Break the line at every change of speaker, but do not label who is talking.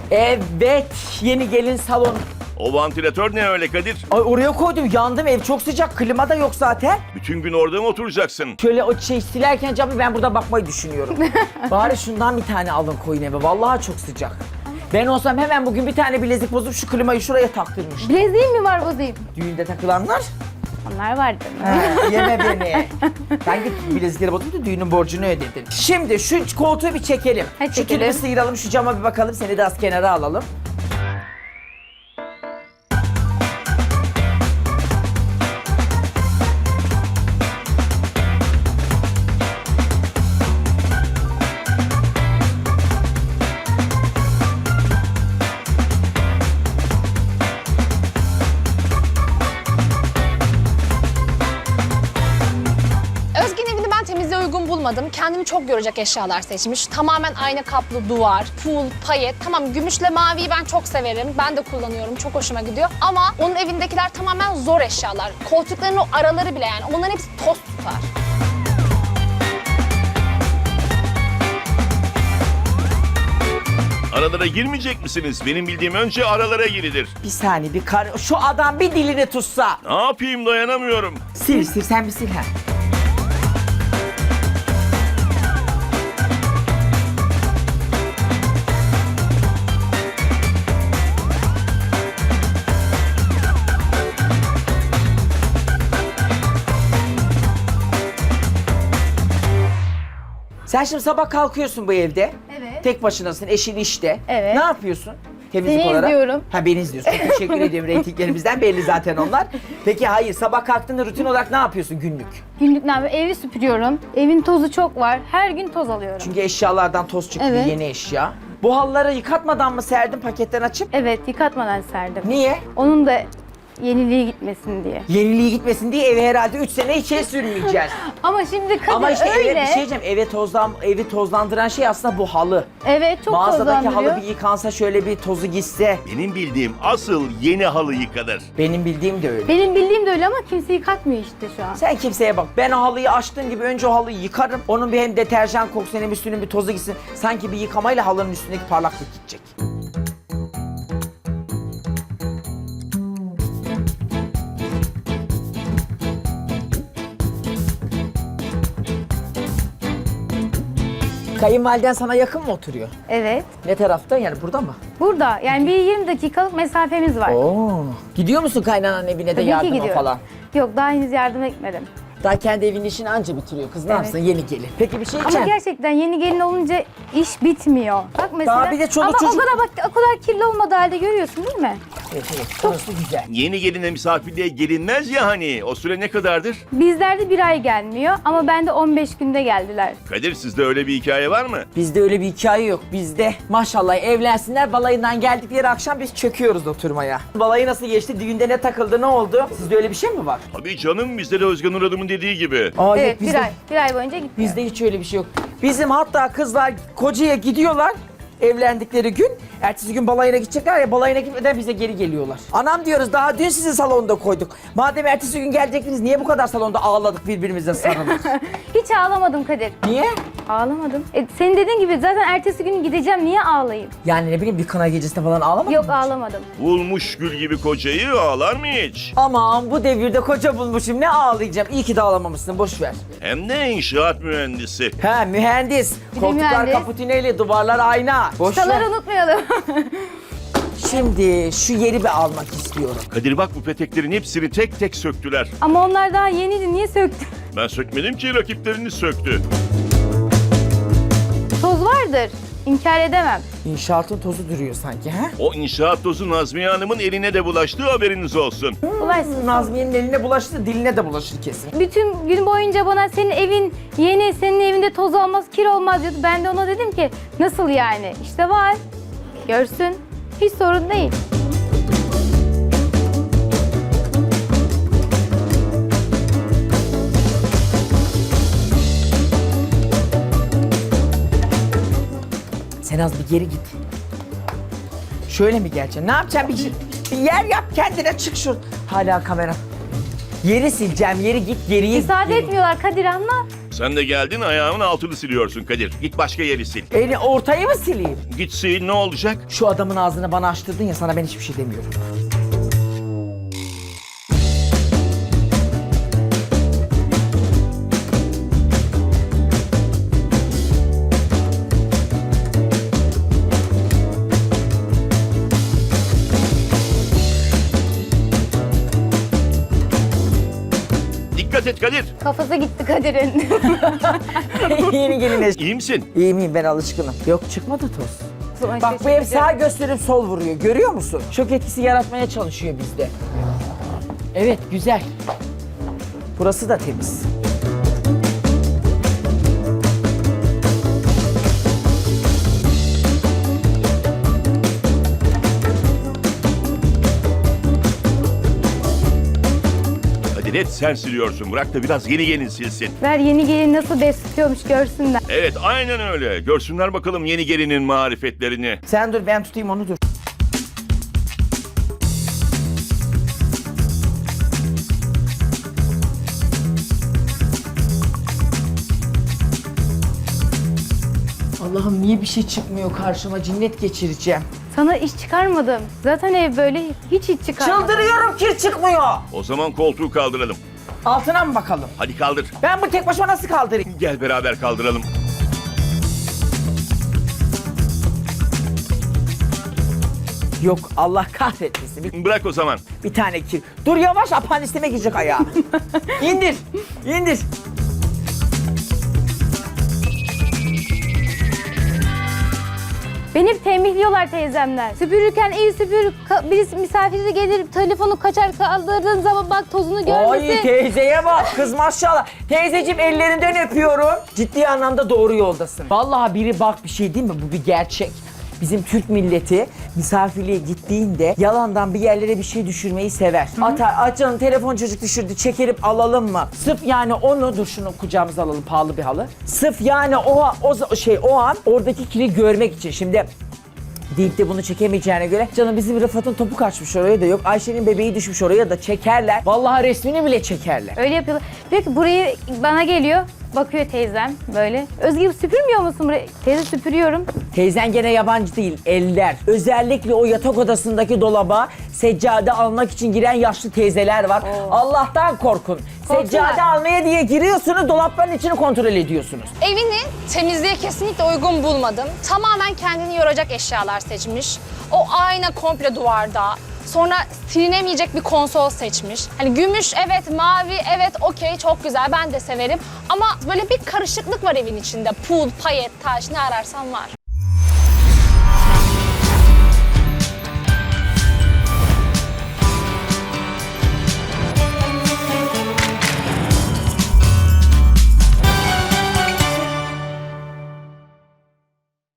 Evet, yeni gelin salonu.
O vantilatör ne öyle Kadir?
Ay oraya koydum, yandım, ev çok sıcak, klima da yok zaten.
Bütün gün orada mı oturacaksın?
Şöyle o silerken camı ben burada bakmayı düşünüyorum. Bari şundan bir tane alın koyun eve, vallahi çok sıcak. Ben olsam hemen bugün bir tane bilezik bozup şu klimayı şuraya taktırmış.
Bileziğim mi var bozayım?
Düğünde takılanlar.
Onlar vardı.
Yeme beni. Ben git bilezikleri bozdum da düğünün borcunu ödedin. Şimdi şu koltuğu bir çekelim.
Hadi
Şu
çekelim.
tülbü sıyıralım, şu cama bir bakalım. Seni de az kenara alalım.
Özge'nin evini ben temizliğe uygun bulmadım. Kendimi çok görecek eşyalar seçmiş. Tamamen ayna kaplı duvar, pul, payet. Tamam, gümüşle maviyi ben çok severim. Ben de kullanıyorum. Çok hoşuma gidiyor. Ama onun evindekiler tamamen zor eşyalar. Koltukların o araları bile yani. Onların hepsi toz tutar.
Aralara girmeyecek misiniz? Benim bildiğim önce aralara girilir.
Bir saniye, şu adam bir dilini tutsa.
Ne yapayım, dayanamıyorum.
Sil sen bir sil ha. Sen şimdi sabah kalkıyorsun bu evde.
Evet.
Tek başınasın, eşin işte.
Evet.
Ne yapıyorsun? Temizlik
Seni
olarak.
izliyorum.
Ha, beni izliyorsun. Teşekkür ediyorum. Reytinglerimizden belli zaten onlar. Peki hayır, sabah kalktığında rutin olarak ne yapıyorsun günlük?
Günlük ne yapıyorum? Evi süpürüyorum. Evin tozu çok var. Her gün toz alıyorum.
Çünkü eşyalardan toz çıktı,
Evet.
yeni eşya. Bu halıları yıkatmadan mı serdin paketten açıp?
Evet, yıkatmadan serdim.
Niye?
Onun da yeniliği gitmesin diye.
Yeniliği gitmesin diye eve herhalde 3 sene içeri sürmeyeceğiz.
Ama şimdi Kadir
Ama işte
öyle.
eve bir şey diyeceğim. Evi tozlandıran şey aslında bu halı.
Evet, çok
Mağazadaki
tozlandırıyor.
halı bir yıkansa, şöyle bir tozu gitse.
Benim bildiğim asıl yeni halı yıkanır.
Benim bildiğim de öyle.
Benim bildiğim de öyle ama kimse yıkatmıyor işte şu an.
Sen kimseye bak. Ben o halıyı açtığım gibi önce o halıyı yıkarım. Onun bir hem deterjan kokusu hem üstünün bir tozu gitsin. Sanki bir yıkamayla halının üstündeki parlaklık gidecek. Kayınvaliden sana yakın mı oturuyor?
Evet.
Ne tarafta? Yani burada mı?
Burada yani bir 20 dakikalık mesafemiz var.
Oo. Gidiyor musun kaynananın evine de
Tabii ki
yardıma
gidiyorum.
falan?
Yok, daha henüz yardım etmedim.
Daha kendi evinin işini anca bitiriyor. Kız ne
Evet.
yapsın? Yeni gelin. Peki bir şey
Ama
diyeceğim.
gerçekten yeni gelin olunca iş bitmiyor. Bak mesela.
Daha bir de çoluk
ama
çocuk-
o kadar bak, o kadar kirli olmadığı halde görüyorsun değil mi?
Evet, orası güzel.
Yeni geline misafirliğe gelinmez ya hani. O süre ne kadardır?
Bizlerde bir ay gelmiyor ama bende 15 günde geldiler.
Kadir, sizde öyle bir hikaye var mı?
Bizde öyle bir hikaye yok. Bizde maşallah evlensinler, balayından geldikleri akşam biz çöküyoruz oturmaya. Balayı nasıl geçti? Düğünde ne takıldı? Ne oldu? Sizde öyle bir şey mi var?
Tabii canım, bizde de Özgen Nur Hanım'ın dediği gibi.
Aa,
Evet,
yok, bizde,
bir ay boyunca gitmiyor.
bizde hiç öyle bir şey yok. Bizim hatta kızlar kocaya gidiyorlar evlendikleri gün. Ertesi gün balayına gidecekler ya, balayına gitmeden bize geri geliyorlar. Anam diyoruz, daha dün sizi salonda koyduk. Madem ertesi gün gelecektiniz, niye bu kadar salonda ağladık, birbirimize sarıldık?
Hiç ağlamadım Kadir.
Niye?
Ağlamadım. Senin dediğin gibi zaten ertesi gün gideceğim, niye ağlayayım?
Yani ne bileyim, bir kına gecesinde falan ağlamadın
Yok,
mı hiç?
ağlamadım.
Bulmuş gül gibi kocayı ağlar mı hiç?
Aman bu devirde koca bulmuşum, ne ağlayacağım. İyi ki de ağlamamışsın, boş ver.
Hem de inşaat mühendisi.
He, mühendis.
de
Koltuklar
mühendis.
kaputineli, duvarlar ayna. Boş ver.
Çıtaları unutmayalım.
Şimdi şu yeri bir almak istiyorum.
Kadir bak, bu peteklerin hepsini tek tek söktüler.
Ama onlar daha yeniydi, niye söktün?
Ben sökmedim ki, rakipleriniz söktü.
Toz vardır, inkar edemem.
İnşaatın tozu duruyor sanki, he?
O inşaat tozu Nazmiye Hanım'ın eline de bulaştığı haberiniz olsun.
Ulaysın.
Nazmiye'nin eline bulaştı, diline de bulaşır kesin.
Bütün gün boyunca bana senin evin yeni, senin evinde toz olmaz, kir olmaz diyordu. Ben de ona dedim ki nasıl yani? İşte var, görsün. Hiç sorun değil.
Sen az bir geri git. Şöyle mi geleceksin? Ne yapacaksın? Bir yer yap kendine, çık şu. Hala kamera. Yeri sileceğim, yeri git, geriye
Müsaade
geri.
etmiyorlar Kadir, anla.
Sen de geldin ayağımın altını siliyorsun Kadir. Git başka yeri sil.
Ortayı mı sileyim?
Git sil, ne olacak?
Şu adamın ağzını bana açtırdın ya, sana ben hiçbir şey demiyorum.
Dikkat et Kadir.
Kafası gitti Kadir'in.
Yeni geline.
İyi misin?
İyi miyim, ben alışkınım. Yok, çıkmadı toz. Bak bu ev sağ gösterip sol vuruyor. Görüyor musun? Şok etkisi yaratmaya çalışıyor bizde. Evet, güzel. Burası da temiz.
Kadir et sen siliyorsun. Bırak da biraz yeni gelin silsin.
Ver yeni gelin nasıl besliyormuş görsünler.
Evet aynen öyle. Görsünler bakalım yeni gelinin marifetlerini.
Sen dur, ben tutayım onu, dur. Allah'ım niye bir şey çıkmıyor karşıma, cinnet geçireceğim.
Sana iş çıkarmadım. Zaten ev böyle hiç iş çıkarmadım.
Çıldırıyorum, kir çıkmıyor.
O zaman koltuğu kaldıralım.
Altına mı bakalım?
Hadi kaldır.
Ben bu tek başıma nasıl kaldırayım?
Gel beraber kaldıralım.
Yok, Allah kahretmesin.
Bırak o zaman.
Bir tane kir. Dur yavaş, apandisime girecek ayağı. İndir, indir.
Beni tembihliyorlar teyzemler. Süpürürken iyi süpür. Birisi misafiri gelir telefonu kaçar kaldırdığın zaman bak tozunu
Ay
görmesin.
teyzeye bak, kız maşallah. Teyzeciğim ellerinden öpüyorum. Ciddi anlamda doğru yoldasın. Vallahi biri bak, bir şey değil mi? Bu bir gerçek. Bizim Türk milleti misafirliğe gittiğinde yalandan bir yerlere bir şey düşürmeyi sever. Atar, canım telefon çocuk düşürdü, çekerip alalım mı? Sırf yani onu, dur şunu kucağımıza alalım, pahalı bir halı. Sırf yani o an oradaki kiri görmek için. Şimdi deyip de bunu çekemeyeceğine göre canım bizim Rıfat'ın topu kaçmış oraya da yok. Ayşe'nin bebeği düşmüş oraya da çekerler. Vallahi resmini bile çekerler.
Öyle yapıyorlar. Diyor ki burayı bana geliyor. Bakıyor teyzem böyle. Özge süpürmüyor musun burayı? Teyze süpürüyorum.
Teyzen gene yabancı değil, eller. Özellikle o yatak odasındaki dolaba seccade almak için giren yaşlı teyzeler var. Allah'tan korkun.
Korksunlar.
Seccade almaya diye giriyorsunuz, dolapların içini kontrol ediyorsunuz.
Evini temizliğe kesinlikle uygun bulmadım. Tamamen kendini yoracak eşyalar seçmiş. O ayna komple duvarda. Sonra silinemeyecek bir konsol seçmiş. Hani gümüş evet, mavi evet, okey çok güzel, ben de severim. Ama böyle bir karışıklık var evin içinde. Pul, payet, taş, ne ararsan var.